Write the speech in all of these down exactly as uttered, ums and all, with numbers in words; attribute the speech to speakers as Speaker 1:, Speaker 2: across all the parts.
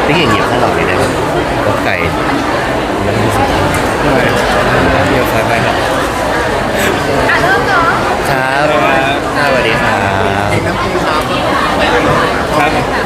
Speaker 1: ติ๊กอย่างเงียบข้างหลังเลยนะครับรถไก่มันรู้สึก
Speaker 2: เดี๋ยวสายไปครับ
Speaker 3: อ่ะเริ่มเนาะ
Speaker 1: ครับสวัสดีครับ
Speaker 2: ครับ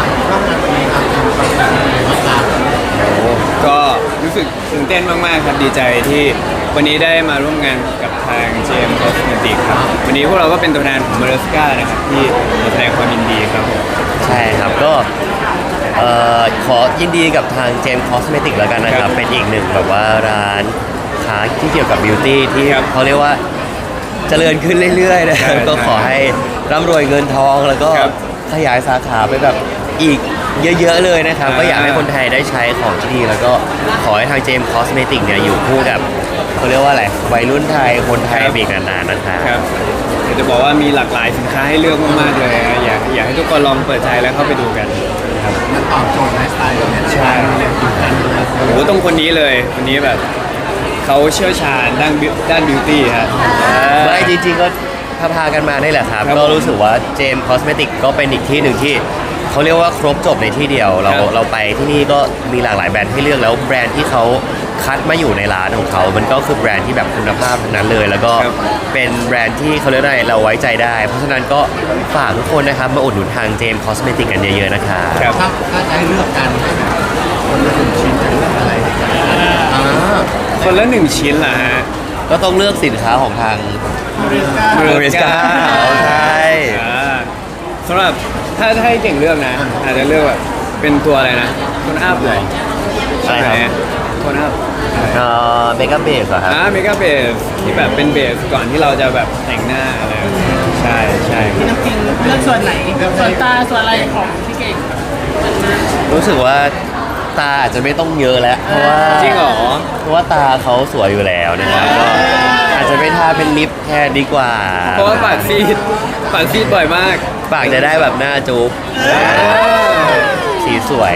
Speaker 2: โอ้ก็รู้สึกตื่นเต้นมากๆครับดีใจที่วันนี้ได้มาร่วมงานกับทาง เจ เอ็ม Cosmetics ครับวันนี้พวกเราก็เป็นตัวแทนของ Maresca นะครับที่มาแสดงความยินดีครับผม
Speaker 1: ใช่ครับก็เอ่อขอยินดีกับทางเจมส์คอสเมติกแล้วกันนะครับเป็นอีกหนึ่งแบบว่าร้านค้าที่เกี่ยวกับบิวตี้ที่เขาเรียกว่าเจริญขึ้นเรื่อยๆนะครับก็ขอให้ร่ำรวยเงินทองแล้วก็ขยายสาขาไปแบบอีกเยอะๆเลยนะครับก็อยากให้คนไทยได้ใช้ของที่ดีแล้วก็ขอให้ทางเจมส์คอสเมติกเนี่ยอยู่คู่กับเขาเรียกว่าอะไรวัยรุ่นไทยคนไทยไปอีกนานๆนะครับ
Speaker 2: ครับเดี๋ยวจะบอกว่ามีหลากหลายสินค้าให้เลือกมากๆเลยนะอยากอยากให้ทุกคนลองเปิดใจแล้วเข้าไปดูกันครับ
Speaker 4: มันตอบโจทย์ไลฟ์สไตล์เราเนี่ย
Speaker 2: ใช่โอ้โหตรงคนนี้เลยคนนี้แบบเขาเชี่ยวชาญด้านบิวด้านบิวตี้ฮะ
Speaker 1: ไม่จริงๆก็พาพากันมาได้แหละครับ
Speaker 2: ครับ
Speaker 1: ก็รู้สึกว่าเจมส์คอสเมติกก็เป็นอีกที่หนึ่งที่เขาเรียกว่าครบจบในที่เดียว เรา
Speaker 2: ครับ
Speaker 1: เราไปที่นี่ก็มีหลากหลายแบรนด์ให้เลือกแล้วแบรนด์ที่เขาคัดมาอยู่ในร้านของเขา มันก็คือแบรนด์ที่แบบคุณภาพทั้งนั้นเลย แล้วก็
Speaker 2: ครับ
Speaker 1: เป็นแบรนด์ที่เขาเรียกได้เราไว้ใจได้ เพราะฉะนั้นก็ฝากทุกคนนะครับมาอุดหนุนทางเจมส์คอสเมติกกันเยอะๆนะครับ
Speaker 2: ครับ
Speaker 4: ถ้าถ้าจะให้เลือกกันให้แบบคนละหนึ่งชิ้นจะเลือกอะไรอ่า
Speaker 2: คนละหนึ่งชิ้นล่ะฮะ
Speaker 1: ก็ต้องเลือกสินค้าของทาง
Speaker 4: บริสก้า
Speaker 1: Maresca ใช่
Speaker 2: อ่าสำหรับถ้าถ้าให้เก่งเลือกนะ อาจจะเลือกแบบเป็นตัวอะไรนะโทนอัพเลย
Speaker 1: อะไรครับ
Speaker 2: โทนอัพ
Speaker 1: เอ่อเมกะเบสเหรอครับ
Speaker 2: อ่าเมกาเบสที่แบบเป็นเบสก่อนที่เราจะแบบแต่งหน้าอะไรแบบนี้ใช่ใช่ครับ
Speaker 5: น้ำจริงเลือกส่วนไหน ส่วนตาส่วนอะไรของพี่เก่ง
Speaker 1: รู้สึกว่าตาอาจจะไม่ต้องเยอะแล้ว เพราะว่า
Speaker 2: จริงเหรอ
Speaker 1: เพราะว่าตาเขาสวยอยู่แล้วนะครับก็อาจจะไม่ทาเป็นลิปแทนดีกว่า
Speaker 2: เพราะว่าปากซีดปากซีดบ่อยมาก
Speaker 1: ปากจะได้แบบหน้าจุ๊บสีสวย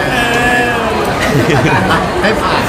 Speaker 4: ให้ผ่าน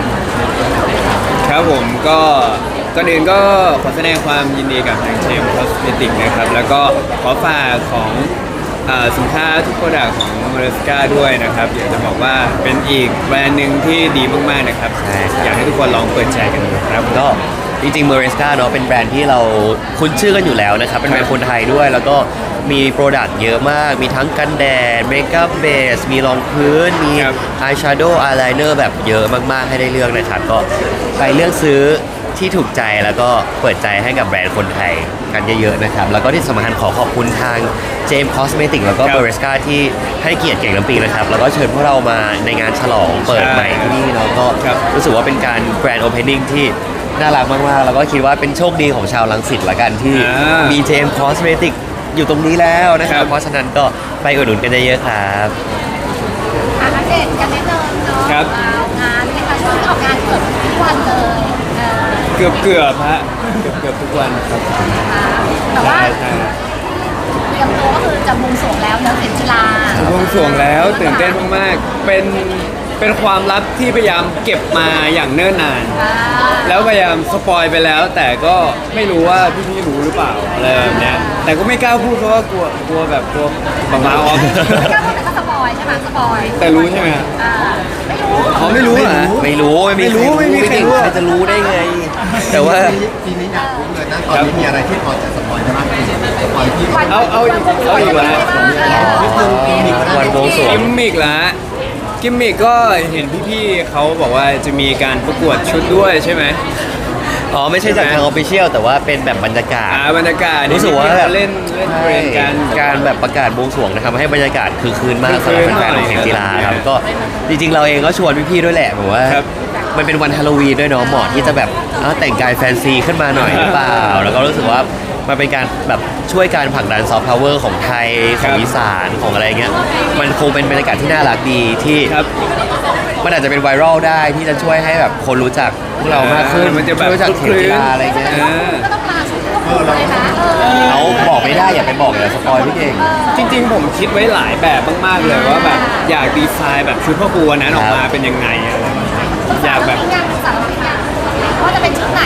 Speaker 2: ครับผมก็ก่อนอื่นก็ขอแสดงความยินดีกับทางเชมคอสเมติกนะครับ แล้วก็ขอฝากของอ่าสินค้าทุกโปรดักต์ของ Maresca ด้วยนะครับ อยากจะบอกว่าเป็นอีกแบรนด์หนึ่งที่ดีมากๆนะครับ
Speaker 1: ใช่ครับ
Speaker 2: อยากให้ทุกคนลองเปิดใจกันดูครับ
Speaker 1: ก็จริงๆ Maresca เนาะเป็นแบรนด์ที่เราคุ้นชื่อกันอยู่แล้วนะครับ เป็นแบรนด์คนไทยด้วย แล้วก็มีโปรดักต์เยอะมาก มีทั้งกันแดดเมคอัพเบสมีรองพื้น มี
Speaker 2: ครับ
Speaker 1: อายแชโดว์อายไลเนอร์แบบเยอะมากๆให้ได้เลือกนะครับ ก็ไปเลือกซื้อที่ถูกใจแล้วก็เปิดใจให้กับแบรนด์คนไทยกันเยอะๆนะครับ แล้วก็ที่สำคัญขอขอบคุณทาง เจมส์ Cosmetics แล้วก็
Speaker 2: ครับ
Speaker 1: Maresca ที่ให้เกียรติเก่งน้ำปิงนะครับ แล้วก็เชิญพวกเรามาในงานฉลองเปิดใหม่ที่นี่เนาะก็
Speaker 2: ครับ
Speaker 1: รู้สึกว่าเป็นการ Grand Opening ที่น่ารักมากๆ แล้วก็คิดว่าเป็นโชคดีของชาวลังสิตละกันที่
Speaker 2: อ่ามี
Speaker 1: มี เจมส์ Cosmetics อยู่ตรงนี้แล้วนะครั
Speaker 2: ครับ บ
Speaker 1: เพราะฉะนั้นก็ไปอุดหนุนกันเยอะๆครับ
Speaker 3: อ่ะอัปเดตกันนิดนึงเนาะ
Speaker 2: ครับ
Speaker 3: อ่างานเป็นการช่วงนี้ออกงานเกือบทุกวันเลยเออ
Speaker 2: เกือบเกือบๆฮะเกือบเกือบๆทุกวันครับ
Speaker 3: นะคะแต่ว่า
Speaker 2: ใช่ใช่
Speaker 3: เตรียมตัวก็คือจะบวงสรวงแล้วเนื้อเข็มจิลา
Speaker 2: บวงสรวงแล้วตื่นเต้นมากๆ เป็นเป็นความลับที่พยายามเก็บมาอย่างเนิ่นนาน
Speaker 3: อ่า
Speaker 2: แล้วพยายามสปอยไปแล้ว แต่ก็ไม่รู้ว่าพี่ๆรู้หรือเปล่าอะไรแบบเนี้ยแต่ก็ไม่กล้าพูดเพราะว่ากลัวกลัวแบบกลัวบังลาออฟ
Speaker 3: ไม่กล้าพูดแต่ก็สปอยใช่ไหมสปอย
Speaker 2: แต่รู้ใช่ไหมครับ
Speaker 3: อ่าไม่รู้
Speaker 2: อ๋อไม่รู้เหรอ
Speaker 1: ไม่รู้ไม่มี
Speaker 2: ไม่รู้ไม่มีใครรู้
Speaker 1: ใครจะรู้ได้ไง แต่ว่า
Speaker 4: ทีนี้ทีนี้อยากรู้เลยนะตอนนี้มีอะไรที่พอจะสปอยได้บ้างสปอยที่
Speaker 3: วัน
Speaker 2: เอาเอาอีกเอาอีกแล้ว
Speaker 4: นิดนึงปีนี้ก็ได้
Speaker 1: วันบวงสรว
Speaker 2: กิมมิกละกิมมิกก็เห็นพี่ๆเขาบอกว่าจะมีการประกวดชุดด้วยใช่ไหม
Speaker 1: อ๋อไม่ใช่จากทางออฟฟิเชียลแต่ว่าเป็นแบบบรรยากาศ
Speaker 2: อ่าบรรยากาศ
Speaker 1: รู้สึกว่า
Speaker 2: ที่
Speaker 1: แบ
Speaker 2: เขา
Speaker 1: บ
Speaker 2: เล่นเล่นเทรนกัน
Speaker 1: การแบบประกาศบวงสรวงนะครับให้บรรยากาศคือคืนมาก
Speaker 2: คือ
Speaker 1: สำหรับ
Speaker 2: คืน
Speaker 1: แฟนๆของ
Speaker 2: หน่อย
Speaker 1: เข็มกีฬาครับ
Speaker 2: ครับ
Speaker 1: ก็จริงๆเราเองก็ชวนพี่ๆด้วยแหละผมว่า
Speaker 2: ครับ
Speaker 1: มันเป็นวันฮาโลวีนด้วยเนาะเหมาะที่จะแบบเอ้าแต่งกายแฟนซีขึ้นมาหน่อยหรือเปล่า แล้วก็รู้สึกว่ามันเป็นการแบบช่วยการผลักดันซอฟต์พาวเวอร์ของไทยของอีสานของอะไรเงี้ยมันคงเป็นบรรยากาศที่น่ารักดีที่
Speaker 2: ครับ
Speaker 1: มันอาจจะเป็นไวรัลได้ที่จะช่วยให้แบบคนรู้จักพวกเรามากขึ้น
Speaker 2: มันจะแบบ
Speaker 1: รู้จักเข็มกีฬาอะไรเงี้ย
Speaker 2: เออ
Speaker 3: ก็ต้องมาชุดก็ต้องเลยนะเออ
Speaker 1: เขาบอกไม่ได้อย่าไปบอกเลยสปอยพี่เก่ง
Speaker 2: จริงๆผมคิดไว้หลายแบบมากๆเลยว่าแบบอยากดีไซน์แบบชุดพ่อครูวันนั้นออกมาเป็นยังไงอะไรแบบนี้อยากแบบ
Speaker 3: งานสารพัดงานว่าจะเป็นชุดไหนชุดไหน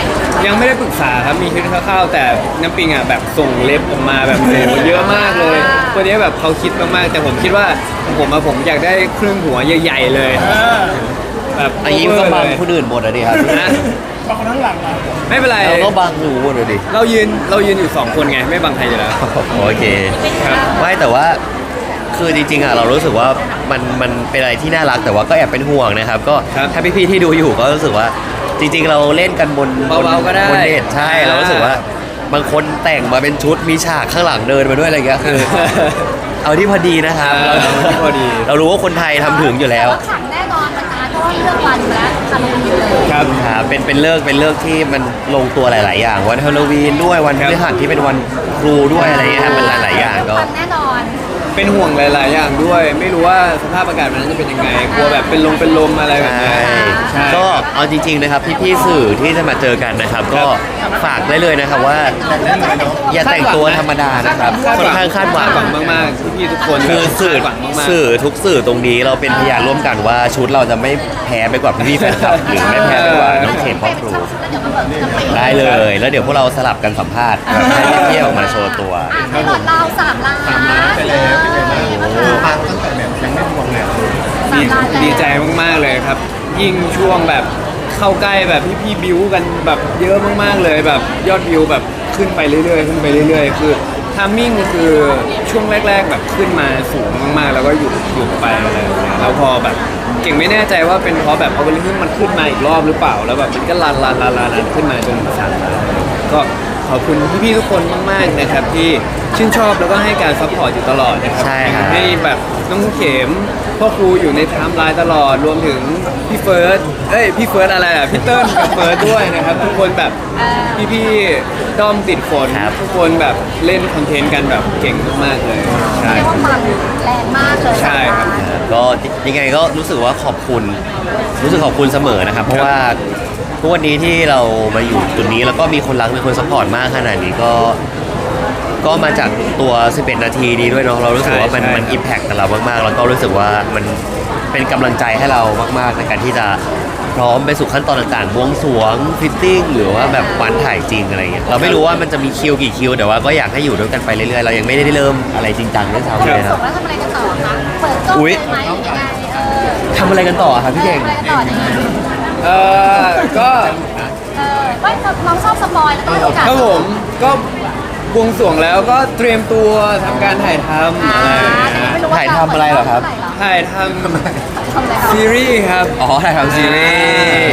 Speaker 2: ยังไม่ได้ปรึกษาครับมีคิดคร่าวๆแต่น้ำปิงอ่ะแบบส่งเล็บออกมาแบบโอ้โหเยอะมากเลยคนนี้แบบเขาคิดมากๆแต่ผมคิดว่าผมอะผมอยากได้ครึ่งหัวใหญ่ๆเลย
Speaker 5: เออ
Speaker 2: แบบ
Speaker 1: อันนี้มันก็บัง
Speaker 2: เลย
Speaker 1: คนอื่นหมดอะดิครับ
Speaker 2: นะ
Speaker 5: บางคนข้างหลังอ่ะ
Speaker 2: ไม่เป็นไร
Speaker 1: เราก็บังหูหมดเลยดิ
Speaker 2: เรายืนเรายืนอยู่สองคนไงไม่บังใครอยู่แล้ว
Speaker 1: โอเค
Speaker 2: ครับ
Speaker 1: ไม่แต่ว่าคือจริงๆอ่ะเรารู้สึกว่ามันมันเป็นอะไรที่น่ารักแต่ว่าก็แอบเป็นห่วงนะครับ ก็
Speaker 2: ครับ
Speaker 1: ถ้าพี่ๆที่ดูอยู่ก็รู้สึกว่าจริง ๆ เราเล่นกันบน
Speaker 2: เบาๆก็ได้
Speaker 1: บนเน็ตใช่เรารู้สึกว่าบางคนแต่งมาเป็นชุดมีฉากข้างหลังเดินมาด้วยอะไรอย่างเงี้ยคือ เอาที่พอดีนะครับ
Speaker 2: เออเอาที่พอดี
Speaker 1: เรารู้ว่าคนไทยทำถึงอยู่แล้ว
Speaker 3: ต่าขังแน่นอนมันนะเพราะว่าเลือกวันมาแล้วทำอยู่เลย
Speaker 2: ครับ
Speaker 1: ครับเป็นเป็นเลิกเป็นเลิกที่มันลงตัวหลาย ๆ อย่าง วันฮาโลวีนด้วยวันพฤหัสที่เป็นวันครูด้วยอะไรอย่างเงี้ยครับมันหลาย ๆ อย่างก็
Speaker 3: วันแน่นอน
Speaker 2: เป็นห่วงหลาย ๆ อย่างด้วย ไม่รู้ว่าสภาพอากาศมันนั้นจะเป็นยังไงกลัวแบบเป็นลมเป็นลมอะไรแบบ
Speaker 1: ใช่
Speaker 2: นี้ใช่
Speaker 1: ก็เอาจริง ๆ นะครับ พี่ ๆ สื่อที่จะมาเจอกันนะครับ ก็ฝากได้เลยนะครับว่า อย่าแต่งตัวธรรมดานะครับค่อนข้างคาดหวัง
Speaker 2: คาดหวังมากๆพี่ๆทุกคน
Speaker 1: คือสื่อ
Speaker 2: คาดหวังมากๆ
Speaker 1: สื่อทุกสื่อตรงนี้เราเป็นพยานร่วมกันว่าชุดเราจะไม่แพ้ไปกว่าพี่ๆแฟนคลับหรือไม่แพ้ไปกว่าน้องเขมพ่อครู ได้เลย แล้วเดี๋ยวพวกเราสลับกันสัมภาษณ์ให้พี่ๆออกมาโชว์ตัว
Speaker 3: อ่ะให้หลอดเราสามล้าน
Speaker 4: ไปแล้วเป็นไงบ้างเออฟังตั้งแต่แบบยังไม่ทวงเลย
Speaker 2: ดีดีใจมากๆเลยครับ ยิ่งช่วงแบบเข้าใกล้แบบพี่พี่ๆบิวกันแบบเยอะมากๆเลยแบบยอดวิวแบบขึ้นไปเรื่อยๆขึ้นไปเรื่อยๆ คือทามมิ่งคือช่วงแรก ๆ แบบขึ้นมาสูงมากๆ แล้วก็หยุดหยุดไปอะไรอย่างเงี้ยแล้วพอแบบเก่งไม่แน่ใจว่าเป็นเพราะแบบเอาเวลาขึ้นมันขึ้นมาอีกรอบหรือเปล่าแล้วแบบมันก็ลันลันลันลันลันขึ้นมาจนสามล้านก็ขอบคุณพี่ๆทุกคนมากๆนะครับที่ชื่นชอบแล้วก็ให้การซัพพอร์ตอยู่ตลอดนะครับ
Speaker 1: ใช่ครับ
Speaker 2: ให้แบบน้องเข็มพ่อครูอยู่ในไทม์ไลน์ตลอดรวมถึงพี่เฟิร์สเอ้ยพี่เฟิร์สอะไรอ่ะพี่เติ้ลกับเฟิร์สด้วยนะครับทุกคนแบบพี่ๆด้อมติดฝน
Speaker 1: ครับ
Speaker 2: ทุกคนแบบเล่นคอนเทนต์กันแบบเก่งมากๆเลยใช่
Speaker 3: เรียกว่าปังแรงมากเลย
Speaker 2: ใช่ครับ
Speaker 1: ก็ยังไงก็รู้สึกว่าขอบคุณ รู้สึกขอบคุณเสมอนะครับ เพราะว่าทุกวันนี้ที่เรามาอยู่จุดนี้แล้วก็มีคนรักมีคนสปอร์ตมากขนาดนี้ก็ ก็มาจากตัว สิบเอ็ด นาทีนี้ด้วยเนาะเรารู้สึกว่ามัน
Speaker 2: ใช่
Speaker 1: มันอิมแพคกับเรามากๆ แล้วก็รู้สึกว่ามันเป็นกำลังใจให้เรามากๆในการที่จะพร้อมไปสู่ขั้นตอนต่างๆบวงสรวงฟิตติ้งหรือว่าแบบวันถ่ายจริงอะไรเงี้ยเราไม่รู้ว่ามันจะมีคิวกี่คิวแต่ว่าก็อยากให้อยู่ด้วยกันไปเรื่อยๆเรายังไม่ได้เริ่มอะไรจริงจังด้วยซ้ำเลยค
Speaker 3: ส่
Speaker 1: รับ
Speaker 3: งแล้วทำอะไรกันต่อคะเปิดกล้อง
Speaker 1: อุ๊ย
Speaker 3: เลยไหมหรือยังไงเออ
Speaker 1: ทำอะไรกันต่อครับพี่เก่ง
Speaker 3: ทำอะไรกันต่อเนี่ย
Speaker 2: เออก็
Speaker 3: เออไม่เราชอบสปอยแล้วก็ให้โอกาส
Speaker 2: ครับผมก็บวงสรวงแล้วก็เตรียมตัวทำการถ่ายทำ
Speaker 3: อ่า
Speaker 2: อะไรอย่าง
Speaker 3: แต่
Speaker 2: เงี้ย
Speaker 3: ไม่รู้ว่า
Speaker 1: ถ่ายทำอะไรเหรอครับ
Speaker 2: ถ่ายท
Speaker 3: ทำอะไร
Speaker 2: ำซีรีส์ครับ
Speaker 1: อ๋อถ่ายทำซีรีส์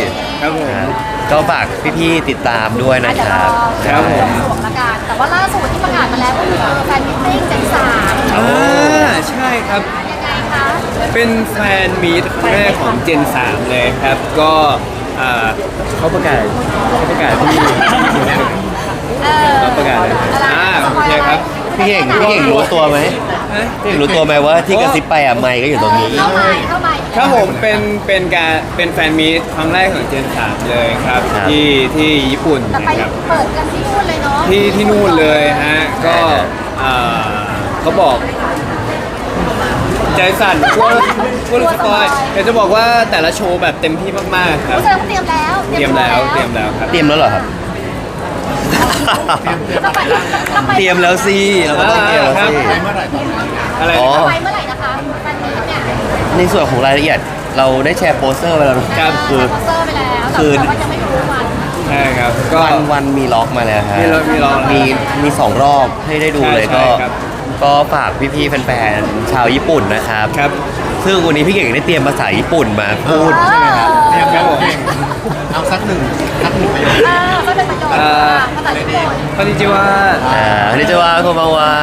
Speaker 2: ครับผม
Speaker 1: ก็ฝากพี่ๆติดตามด้วยนะ
Speaker 3: เดี๋
Speaker 1: ค
Speaker 3: ยวร
Speaker 1: รั
Speaker 3: อบ
Speaker 2: ครับผม
Speaker 3: สวมละกันแต่ว่าล่าสุดที่ประกาศมาแล้วก็คือแฟนมิทติ้งเจนสาม
Speaker 2: อ่าใช่ครับ
Speaker 3: ยังไงคะ
Speaker 2: เป็นแฟนมีตครั้งแรกของเจนสามเลยครับ ก็อ่าเขาประกาศเขาประกาศที่
Speaker 3: เออ
Speaker 2: เขาประกาศเลย
Speaker 3: อะไร
Speaker 2: อ่า
Speaker 3: สป
Speaker 2: โอ
Speaker 3: อย
Speaker 2: เค
Speaker 3: อะไร
Speaker 2: ครับ
Speaker 1: พี่เก่งพี่เก่งรู้ตัวไหม
Speaker 2: ฮะ
Speaker 1: พี่เก่งรู้ตัวไหมว่าที่กระซิบไปอ่ะไมค์ก็อยู่ตรงนี้
Speaker 3: เข้ามาเข้ามา
Speaker 2: ครับผมเป็นเป็นการเป็นแฟนมีตครั้งแรกของเจนสามเลยครับ
Speaker 1: ครับ
Speaker 2: ที่ที่ญี่ปุ่น
Speaker 3: แต่ไป
Speaker 2: นะครับ
Speaker 3: เปิดกันที่นู่นเลยเนาะ
Speaker 2: ที่ที่นู่นเลยฮะก็อ่าเขาบอก ใจสั่นกลัวกลัวหลุดสปอยเดี๋ยวจะบอกว่าแต่ละโชว์แบบเต็มที่มากๆครับ
Speaker 3: แสดงว่าเตรียมแล้ว
Speaker 2: เตรียมแล้วเตรียมแล้วครับ
Speaker 1: เตรียมแล้วเหรอครับ
Speaker 3: จะไปจะไป
Speaker 1: เตรียมแล้วสิเราก็ต้องเตรียมแล้วสิ
Speaker 4: ไปเมื่อไหร่ตอนไหน
Speaker 2: อะไร
Speaker 1: อ๋อ
Speaker 2: นะครับ
Speaker 3: ไปเมื่อไหร่นะคะแฟนมีตเนี่ย
Speaker 1: ในส่วนของรายละเอียดเราได้แชร์โปสเตอร์ไปแล้วนะครับ คือ
Speaker 3: สปอนเซอร์ไปแล้วแต่
Speaker 1: คือ
Speaker 3: ว่ายังไม่รู้วัน
Speaker 2: ใช่ครับก็
Speaker 1: วันวันมีล็อกมาแล้วฮะ
Speaker 2: มีล็อกมีล็อก
Speaker 1: มีมีสองรอบให้ได้ดูเลย
Speaker 2: ใช่
Speaker 1: ก็
Speaker 2: ใช่ครับ
Speaker 1: ก็ฝากพี่ๆแฟนๆชาวญี่ปุ่นนะครับ
Speaker 2: ครับ
Speaker 1: ซึ่งวันนี้พี่เก่งได้เตรียมภาษาญี่ปุ่นมาพูดใช่ไหมครับ
Speaker 4: เตรียมแล้วเก่งเอาสักหนึ่งสักหนึ่งไปเลย
Speaker 3: อ่าก็เป็นประโยชน์
Speaker 2: อ่า
Speaker 3: ภาษาญี่ปุ่น
Speaker 2: คอนนิจิวะ
Speaker 1: อ่าอันนี้จะว่าโคมาวา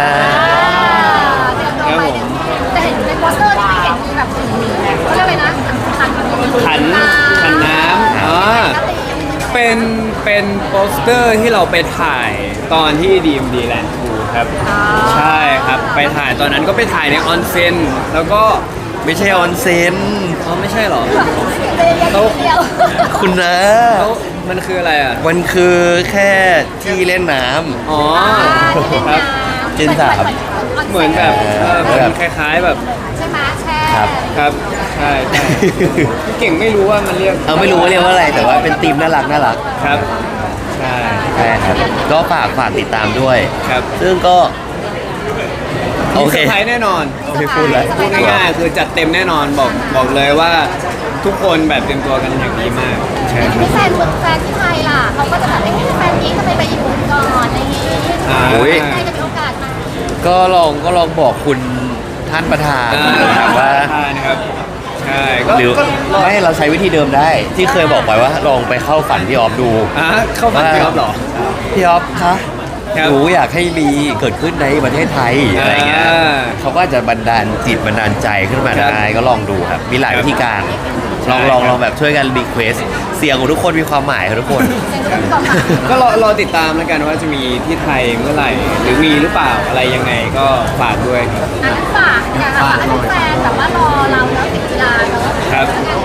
Speaker 3: เดี๋ยวดูไปแต่เห็นในโปสเตอร์ที่ไม่เห็นมีแบบเขาเรียกอะไรนะขัน
Speaker 2: ขันขันน้ำอ๋อเป็นเป็นโปสเตอร์ที่เราไปถ่ายตอนที่ดีมดีแลนด์ทูครับ ใช่ครับ ไปถ่ายตอนนั้นก็ไปถ่ายในออนเซ็นแล้วก็
Speaker 1: ไม่ใช่ออนเซน
Speaker 2: อ๋อไม่ใช่เหรอ
Speaker 3: เดียว
Speaker 1: คุณนะ
Speaker 2: แล้วมันคืออะไรอ่ะ
Speaker 1: มันคือแค่ที่เล่นน้ำ
Speaker 2: อ๋อครับ
Speaker 1: เจนสาม
Speaker 2: เหมือนแบบเออเหมือนคล้ายๆแบบ
Speaker 3: ใช่ไหมแช่
Speaker 1: ครับ
Speaker 2: ครับใช่ใช่พี่เก่งไม่รู้ว่ามันเรียก
Speaker 1: เอาไม่รู้ว่าเรียกว่าอะไรแต่ว่าเป็นธีมน่ารักน่ารัก
Speaker 2: ครับช่
Speaker 1: ใช่ครับก็ฝากฝากติดตามด้วย
Speaker 2: ครับ
Speaker 1: ซึ่งก็ โอ
Speaker 2: มี
Speaker 1: เค
Speaker 2: เซอร์ไพรส์แน่นอน
Speaker 1: ไม่พูดแล้ว
Speaker 2: พูดง่ายๆคือจัดเต็มแน่นอนบอกบอกเลยว่าทุกคนแบบเตรียมตัวกันอย่างดีมากใช่ครับ
Speaker 3: ที่แฟนเมืองแฟนที่ไทยล่ะเขาก็จะแบบเอ้ยแฟนนี้ทำไมไปญี่ปุ่นก่อนอะไรอย่างงี้
Speaker 2: อ่า
Speaker 1: โอ้ย
Speaker 3: ใครจะมีโอกาสมา
Speaker 1: ก็ลองก็ลองบอกคุณท่านประธาน
Speaker 2: อ่า
Speaker 1: นะครับว่า
Speaker 2: ใช่นะครับใช่ก็
Speaker 1: หรือ
Speaker 2: ก็รอ
Speaker 1: ไม่เราใช้วิธีเดิมได้ ที่เคยบอกไปว่าลองไปเข้าฝันพี่ออฟดู
Speaker 2: อ่ะเข้าฝันพี่อ๊อฟเหรอ
Speaker 1: พี่ออฟคะ
Speaker 2: ครับ
Speaker 1: หนูอยากให้มีเกิดขึ้นในประเทศไทยอะไรเงี้ย
Speaker 2: อ่า
Speaker 1: เขาก็อาจจะบันดาลจิตบันดาลใจขึ้นมา
Speaker 2: ครับ
Speaker 1: ได้ก็ลองดูครับ มีหลาย
Speaker 2: ครับ
Speaker 1: วิธีการ ลอง
Speaker 2: ใช่
Speaker 1: ลอง
Speaker 2: ครับ
Speaker 1: ลองแบบช่วยกันรีเควสเสียงของทุกคนมีความหมายครับทุกคน
Speaker 3: เซ็นรุ่นก่อนค่ะ
Speaker 2: ก็รอรอติดตามแล้วกันว่าจะมีที่ไทยเมื่อไหร่ หรือมีหรือเปล่าอะไรยังไงก็ฝากด้วยครับ
Speaker 3: อันนั้นฝากอยากฝากให้แฟนแบบว่ารอเราแล้วติดกีฬาเนอะ
Speaker 2: ครับ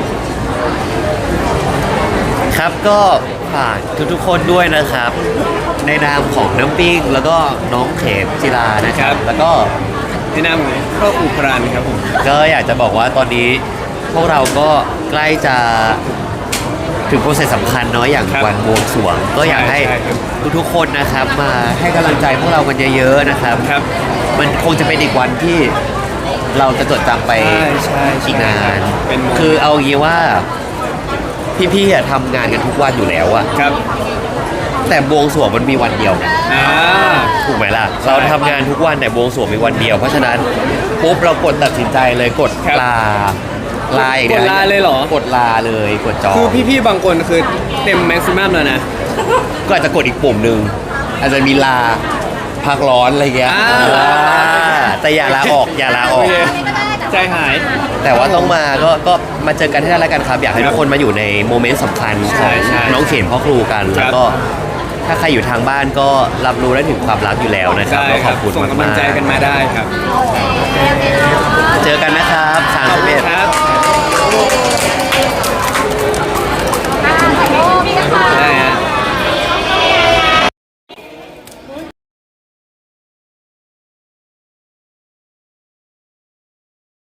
Speaker 1: ครับก็ฝากทุกๆคนด้วยนะครับ ในนามของน้ำปิ้งแล้วก็น้องเขมจิรานะครับ แล้วก็
Speaker 2: ในนามของครอบครัวพรันครับผม
Speaker 1: ก็อยากจะบอกว่าตอนนี้พวกเราก็ใกล้จะถึงโปรเซสสำคัญเนาะอย่าง
Speaker 2: ครับ
Speaker 1: วันบวงสรวง ก็อยากให้
Speaker 2: ใช่ครับ
Speaker 1: ทุกๆคนนะครับ มาให้กำลังใจพวกเรากันเยอะๆนะครับ
Speaker 2: ครับ
Speaker 1: มันคงจะเป็นอีกวันที่เราจะจดจำไป
Speaker 2: ใช่ใช่ใช่
Speaker 1: อีกนาน
Speaker 2: เป็นโมเมนต์
Speaker 1: คือเอางี้ว่าพี่ๆอะทำงานกันทุกวันอยู่แล้วอะ
Speaker 2: ครับ
Speaker 1: แต่บวงสรวงมันมีวันเดียวไง
Speaker 2: อ่า
Speaker 1: ถูกไหมล่ะ
Speaker 2: ใช่
Speaker 1: เราทำงานทุกวันแต่บวงสรวงมีวันเดียว เพราะฉะนั้นปุ๊บเรากดตัดสินใจเลยกด
Speaker 2: ครับ
Speaker 1: ลาลาอย่างเดียว
Speaker 2: กดลาเลยเหรอ
Speaker 1: กดลาเลยกดจอง
Speaker 2: คือพี่ๆบางคนคือเต็มแม็กซิมัมแล้วนะ
Speaker 1: ก็อาจจะกดอีกปุ่มหนึ่งอาจจะมีลาพักร้อนอะไรเงี้ย
Speaker 2: อ่า
Speaker 1: อ่าแต่อย่าลาออกอย่าลาออก
Speaker 2: โอเค ใจหาย
Speaker 1: แต่ว่าต้องมาก็ก็มาเจอกันที่นั่นแล้วกันครับ อยากให้ทุกคนมาอยู่ในโมเมนต์สำคัญข
Speaker 2: ใช่
Speaker 1: อง
Speaker 2: ใช่
Speaker 1: น้องเขมพ่อครูกัน
Speaker 2: ครับ
Speaker 1: แล้วก็ถ้าใครอยู่ทางบ้านก็รับรู้ได้ถึงความรักอยู่แล้วนะครับ
Speaker 2: ใช่
Speaker 1: ก็
Speaker 2: ค
Speaker 1: ข
Speaker 2: รั
Speaker 1: อ
Speaker 2: บบ
Speaker 1: คุณ
Speaker 2: ส่ง
Speaker 1: มาก
Speaker 2: กำลังใจกันมาได้ครับ
Speaker 3: โอเคโอเคเนาะ
Speaker 1: ๆเจอกันนะครับ